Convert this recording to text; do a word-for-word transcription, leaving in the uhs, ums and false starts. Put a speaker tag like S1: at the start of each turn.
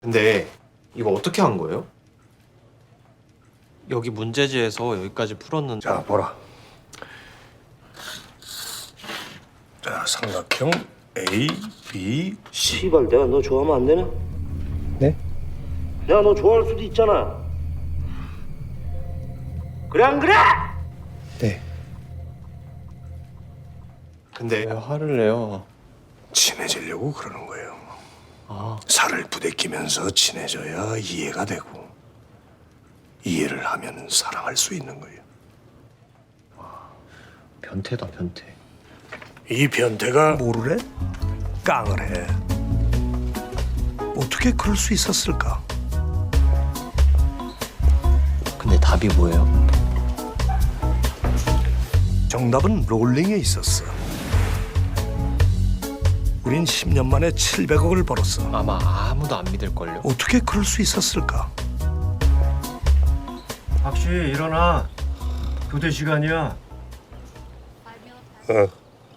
S1: 근데 이거 어떻게 한 거예요?
S2: 여기 문제지에서 여기까지 풀었는데.
S3: 자, 보라. 자, 삼각형 A, B, C.
S4: 씨발 내가 너 좋아하면 안 되나?
S3: 네?
S4: 내가 너 좋아할 수도 있잖아. 그래 안 그래?
S3: 네.
S1: 근데
S2: 왜 화를 내요?
S3: 친해지려고 그러는 거예요.
S2: 아,
S3: 살을 부대끼면서 친해져야 이해가 되고 이해를 하면 사랑할 수 있는 거예요.
S2: 변태다 변태.
S3: 이 변태가 뭐를 해? 깡을 해. 어떻게 그럴 수 있었을까?
S2: 근데 답이 뭐예요?
S3: 정답은 롤링에 있었어. 우린 십 년 만에 칠백억을 벌었어.
S2: 아마 아무도 안 믿을걸요?
S3: 어떻게 그럴 수 있었을까?
S5: 박씨 일어나. 교대 시간이야.
S3: 어.